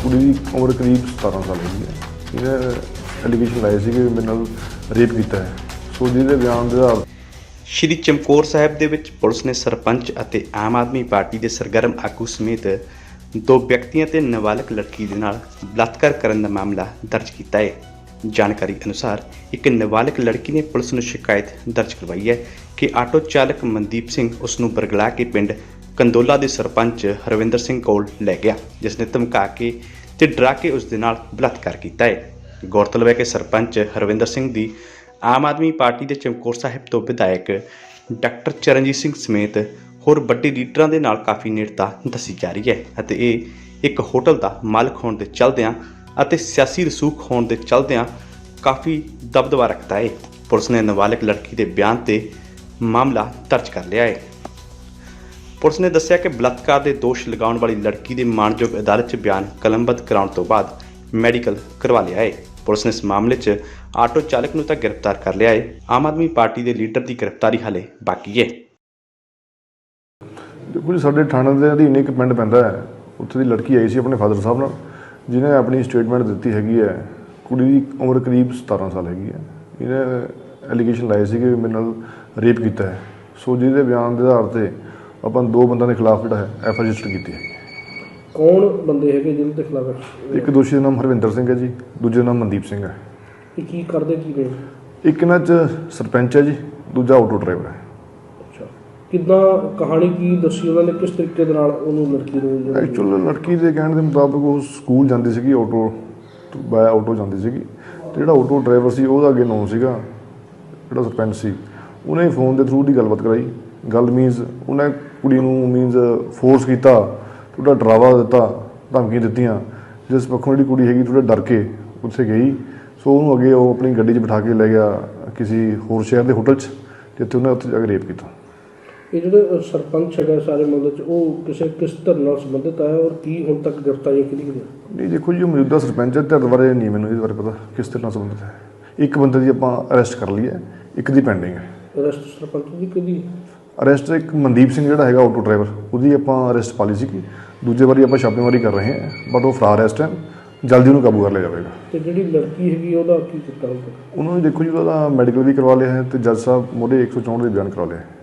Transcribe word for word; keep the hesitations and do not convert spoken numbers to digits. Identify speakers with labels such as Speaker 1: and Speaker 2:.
Speaker 1: ਕੁੜੀ ਦੀ ਉਮਰ ਕਰੀਬ ਸਤਾਰਾਂ ਸਾਲ ਹੈਗੀ ਹੈ। ਇਹਨੇ ਐਲੀਗੇਸ਼ਨ ਲਾਏ ਸੀ ਕਿ ਮੇਰੇ ਨਾਲ ਰੇਪ ਕੀਤਾ ਹੈ। ਸੋ ਜਿਹਦੇ ਬਿਆਨ ਦੇ ਆਧਾਰ
Speaker 2: ਸ਼੍ਰੀ ਚਮਕੌਰ ਸਾਹਿਬ ਦੇ ਵਿੱਚ ਪੁਲਿਸ ਨੇ ਸਰਪੰਚ ਅਤੇ ਆਮ ਆਦਮੀ ਪਾਰਟੀ ਦੇ ਸਰਗਰਮ ਆਗੂ ਸਮੇਤ ਦੋ ਵਿਅਕਤੀਆਂ ਤੇ ਨਾਬਾਲਗ ਲੜਕੀ ਦੇ ਨਾਲ ਬਲਾਤਕਾਰ ਕਰਨ ਦਾ ਮਾਮਲਾ ਦਰਜ ਕੀਤਾ ਹੈ। ਜਾਣਕਾਰੀ ਅਨੁਸਾਰ ਇੱਕ ਨਾਬਾਲਗ ਲੜਕੀ ਨੇ ਪੁਲਿਸ ਨੂੰ ਸ਼ਿਕਾਇਤ ਦਰਜ ਕਰਵਾਈ ਹੈ ਕਿ ਆਟੋ ਚਾਲਕ ਮਨਦੀਪ ਸਿੰਘ ਉਸ ਨੂੰ ਬਰਗਲਾ ਕੇ ਪਿੰਡ ਕੰਦੋਲਾ ਦੇ ਸਰਪੰਚ ਹਰਵਿੰਦਰ ਸਿੰਘ ਕੋਲ ਲੈ ਗਿਆ, ਜਿਸ ਨੇ ਧਮਕਾ ਕੇ ਤੇ ਡਰਾ ਕੇ ਉਸ ਦੇ ਨਾਲ ਬਲਾਤਕਾਰ ਕੀਤਾ ਹੈ। ਗੌਰਤਲਬ ਹੈ ਕਿ ਸਰਪੰਚ ਹਰਵਿੰਦਰ ਸਿੰਘ ਦੀ ਆਮ ਆਦਮੀ ਪਾਰਟੀ ਦੇ ਚਮਕੌਰ ਸਾਹਿਬ ਤੋਂ ਵਿਧਾਇਕ ਡਾਕਟਰ ਚਰਨਜੀਤ ਸਿੰਘ ਸਮੇਤ ਹੋਰ ਵੱਡੇ ਲੀਡਰਾਂ ਦੇ ਨਾਲ ਕਾਫੀ ਨੇੜਤਾ ਦੱਸੀ ਜਾ ਰਹੀ ਹੈ ਅਤੇ ਇਹ ਇੱਕ ਹੋਟਲ ਦਾ ਮਾਲਕ ਹੋਣ ਦੇ ਚਲਦਿਆਂ ਅਤੇ ਸਿਆਸੀ ਰਸੂਖ ਹੋਣ ਦੇ ਚਲਦਿਆਂ ਕਾਫੀ ਦਬਦਬਾ ਰੱਖਦਾ ਹੈ। ਪੁਲਿਸ ਨੇ ਨਾਬਾਲਗ ਲੜਕੀ ਦੇ ਬਿਆਨ ਤੇ ਮਾਮਲਾ ਦਰਜ ਕਰ ਲਿਆ ਹੈ। ਪੁਲਿਸ ਨੇ ਦੱਸਿਆ ਕਿ ਬਲਾਤਕਾਰ ਦੇ ਦੋਸ਼ ਲਗਾਉਣ ਵਾਲੀ ਲੜਕੀ ਦੇ ਮਾਣਯੋਗ ਅਦਾਲਤ 'ਚ ਬਿਆਨ ਕਲਮਬੱਧ ਕਰਾਉਣ ਤੋਂ ਬਾਅਦ ਮੈਡੀਕਲ ਕਰਵਾ ਲਿਆ ਹੈ। ਪੁਲਿਸ ਨੇ ਇਸ ਮਾਮਲੇ 'ਚ ਆਟੋ ਚਾਲਕ ਨੂੰ ਤਾਂ ਗ੍ਰਿਫਤਾਰ ਕਰ ਲਿਆ ਹੈ। ਆਮ ਆਦਮੀ ਪਾਰਟੀ ਦੇ ਲੀਡਰ ਦੀ ਗ੍ਰਿਫਤਾਰੀ ਹਾਲੇ ਬਾਕੀ ਹੈ।
Speaker 1: ਦੇਖੋ ਜੀ, ਸਾਡੇ ਥਾਣੇ ਦੇ ਅਧੀਨ ਇੱਕ ਪਿੰਡ ਪੈਂਦਾ ਹੈ, ਉੱਥੇ ਦੀ ਲੜਕੀ ਆਈ ਸੀ ਆਪਣੇ ਫਾਦਰ ਸਾਹਿਬ ਨਾਲ, ਜਿਹਨੇ ਆਪਣੀ ਸਟੇਟਮੈਂਟ ਦਿੱਤੀ ਹੈਗੀ ਹੈ। ਕੁੜੀ ਦੀ ਉਮਰ ਕਰੀਬ ਸਤਾਰਾਂ ਸਾਲ ਹੈਗੀ ਹੈ। ਇਹਨੇ ਐਲੀਗੇਸ਼ਨ ਲਾਏ ਸੀ ਕਿ ਮੇਰੇ ਨਾਲ ਰੇਪ ਕੀਤਾ ਹੈ। ਸੋ ਜਿਹਦੇ ਬਿਆਨ ਦੇ ਆਧਾਰ 'ਤੇ ਆਪਾਂ ਦੋ ਬੰਦਿਆਂ ਦੇ ਖਿਲਾਫ ਜਿਹੜਾ ਹੈ ਐਫ ਆਈ ਆਰ ਰਜਿਸਟਰ ਕੀਤੀ ਹੈ।
Speaker 3: ਕੌਣ ਬੰਦੇ ਹੈਗੇ ਜਿਹਨਾਂ ਦੇ ਖਿਲਾਫ?
Speaker 1: ਇੱਕ ਦੋਸ਼ੀ ਦਾ ਨਾਮ ਹਰਵਿੰਦਰ ਸਿੰਘ ਹੈ ਜੀ, ਦੂਜੇ ਦਾ ਨਾਮ ਮਨਦੀਪ ਸਿੰਘ ਹੈ।
Speaker 3: ਇਹ ਕੀ ਕਰਦੇ ਕੀ ਨੇ?
Speaker 1: ਇੱਕ ਇਹਨਾਂ 'ਚ ਸਰਪੰਚ ਹੈ ਜੀ, ਦੂਜਾ ਆਟੋ ਡਰਾਈਵਰ ਹੈ।
Speaker 3: ਅੱਛਾ, ਕਿੱਦਾਂ ਕਹਾਣੀ ਕੀ ਦੱਸੀ ਉਹਨਾਂ ਨੇ, ਕਿਸ ਤਰੀਕੇ ਦੇ ਨਾਲ ਉਹਨੂੰ ਲੜਕੀ ਨੂੰ?
Speaker 1: ਐਕਚੁਅਲ ਲੜਕੀ ਦੇ ਕਹਿਣ ਦੇ ਮੁਤਾਬਕ ਉਹ ਸਕੂਲ ਜਾਂਦੀ ਸੀਗੀ, ਆਟੋ ਬਾਇਆ ਆਟੋ ਜਾਂਦੀ ਸੀਗੀ, ਅਤੇ ਜਿਹੜਾ ਆਟੋ ਡਰਾਈਵਰ ਸੀ ਉਹਦਾ ਅੱਗੇ ਨਾਮ ਸੀਗਾ, ਜਿਹੜਾ ਸਰਪੰਚ ਸੀ, ਉਹਨੇ ਫੋਨ ਦੇ ਥਰੂ ਦੀ ਗੱਲਬਾਤ ਕਰਾਈ। ਗੱਲ ਮੀਨਸ ਉਹਨੇ ਕੁੜੀ ਨੂੰ ਮੀਨਸ ਫੋਰਸ ਕੀਤਾ, ਥੋੜ੍ਹਾ ਡਰਾਵਾ ਦਿੱਤਾ, ਧਮਕੀਆਂ ਦਿੱਤੀਆਂ, ਜਿਸ ਪੱਖੋਂ ਜਿਹੜੀ ਕੁੜੀ ਹੈਗੀ ਥੋੜ੍ਹਾ ਡਰ ਕੇ ਉੱਥੇ ਗਈ। ਸੋ ਉਹਨੂੰ ਅੱਗੇ ਉਹ ਆਪਣੀ ਗੱਡੀ 'ਚ ਬਿਠਾ ਕੇ ਲੈ ਗਿਆ ਕਿਸੇ ਹੋਰ ਸ਼ਹਿਰ ਦੇ ਹੋਟਲ 'ਚ, ਜਿੱਥੇ ਉਹਨੇ ਉੱਥੇ ਜਾ ਕੇ ਰੇਪ ਕੀਤਾ।
Speaker 3: ਇਹ ਜਿਹੜੇ ਸਰਪੰਚ ਹੈਗਾ ਸਾਰੇ ਮਾਮਲੇ 'ਚ, ਉਹ ਕਿਸੇ ਕਿਸ ਧਿਰ ਨਾਲ ਸੰਬੰਧਿਤ ਹੈ ਔਰ ਕੀ ਹੁਣ ਤੱਕ ਗ੍ਰਿਫਤਾਰੀਆਂ ਕਿਹਦੀ ਕਿਹਦੀਆਂ?
Speaker 1: ਨਹੀਂ ਦੇਖੋ ਜੀ, ਉਹ ਮੌਜੂਦਾ ਸਰਪੰਚ ਹੈ, ਧਿਰ ਬਾਰੇ ਨਹੀਂ ਮੈਨੂੰ ਇਹਦੇ ਬਾਰੇ ਪਤਾ ਕਿਸ ਧਿਰ ਨਾਲ ਸੰਬੰਧਿਤ ਹੈ। ਇੱਕ ਬੰਦੇ ਦੀ ਆਪਾਂ ਅਰੈਸਟ ਕਰ ਲਈ ਹੈ, ਇੱਕ ਦੀ ਪੈਂਡਿੰਗ ਹੈ।
Speaker 3: ਅਰੈਸਟ ਸਰਪੰਚ ਦੀ ਕਿਹਦੀ?
Speaker 1: ਅਰੈਸਟ ਇੱਕ ਮਨਦੀਪ ਸਿੰਘ ਜਿਹੜਾ ਹੈਗਾ ਆਟੋ ਡਰਾਈਵਰ, ਉਹਦੀ ਆਪਾਂ ਅਰੈਸਟ ਪਾ ਲਈ ਸੀਗੀ। ਦੂਜੇ ਵਾਰੀ ਆਪਾਂ ਛਾਪੇਮਾਰੀ ਕਰ ਰਹੇ ਹਾਂ, ਬਟ ਉਹ ਫਰਾਰ ਇਸ ਟਾਈਮ, ਜਲਦੀ ਉਹਨੂੰ ਕਾਬੂ ਕਰ ਲਿਆ ਜਾਵੇਗਾ।
Speaker 3: ਤੇ ਜਿਹੜੀ ਲੜਕੀ ਹੈਗੀ ਉਹਦਾ ਕੀ ਕੀਤਾ?
Speaker 1: ਉਹਨੂੰ ਦੇਖੋ ਜੀ, ਉਹਦਾ ਮੈਡੀਕਲ ਵੀ ਕਰਵਾ ਲਿਆ ਹੈ ਅਤੇ ਜੱਜ ਸਾਹਿਬ ਮੋਢੇ ਇੱਕ ਸੌ ਚੌਂਹਠ ਦੇ ਬਿਆਨ ਕਰਵਾ ਲਿਆ ਹੈ।